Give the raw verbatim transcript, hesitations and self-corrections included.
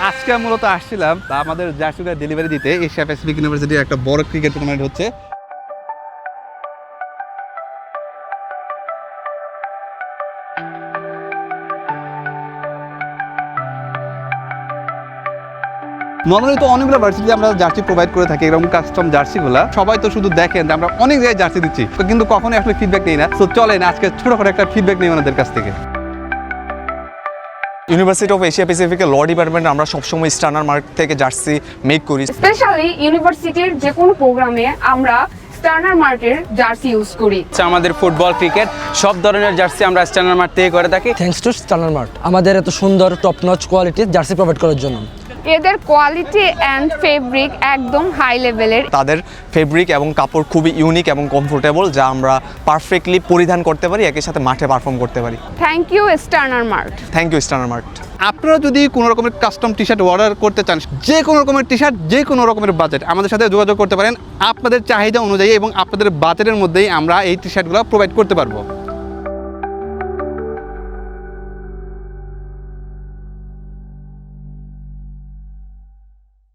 আজকে মূলত আসছিলাম আমাদের জার্সিটা ডেলিভারি দিতে এশিয়া প্যাসিফিক ইউনিভার্সিটির একটা বড় ক্রিকেট টুর্নামেন্ট হচ্ছে। নর্মালি তো অনেকগুলো ভার্সিটিতে আমরা জার্সি প্রোভাইড করে থাকি, এরকম কাস্টম জার্সিগুলো সবাই তো শুধু দেখেন আমরা অনেক জায়গায় জার্সি দিচ্ছি, কিন্তু কখনোই আসলে ফিডব্যাক নেই না। তো চলেন আজকে ছোটখাটো একটা ফিডব্যাক নেই ওনাদের কাছ থেকে। ইউনিভার্সিটি অফ এশিয়া প্যাসিফিকের ল ডিপার্টমেন্ট আমরা সবসময় স্টার্নার মার্ক থেকে জার্সি মেক করি। স্পেশালি ইউনিভার্সিটির যে কোনো প্রোগ্রামে আমরা স্টার্নার মার্কের জার্সি ইউজ করি। আমাদের ফুটবল, ক্রিকেট সব ধরনের জার্সি আমরা স্টার্নার মার্ক থেকে করে থাকি। থ্যাঙ্কস টু স্টার্নার মার্ট আমাদের এত সুন্দর টপ নচ কোয়ালিটির জার্সি প্রোভাইড করার জন্য। এদের কোয়ালিটি অ্যান্ড ফেব্রিক একদম হাই লেভেলের। তাদের ফেব্রিক এবং কাপড় খুবই ইউনিক এবং কমফোর্টেবল, যা আমরা পারফেক্টলি পরিধান করতে পারি, একই সাথে মাঠে পারফর্ম করতে পারি। Thank you Sterner mart. Thank you Sterner mart. আপনারা যদি কোনো রকমের কাস্টম টি শার্ট অর্ডার করতে চান, যে কোনো রকমের টি শার্ট, যে কোনো রকমের বাজেট, আমাদের সাথে যোগাযোগ করতে পারেন। আপনাদের চাহিদা অনুযায়ী এবং আপনাদের বাজেটের মধ্যেই আমরা এই টি শার্টগুলো প্রোভাইড করতে পারবো।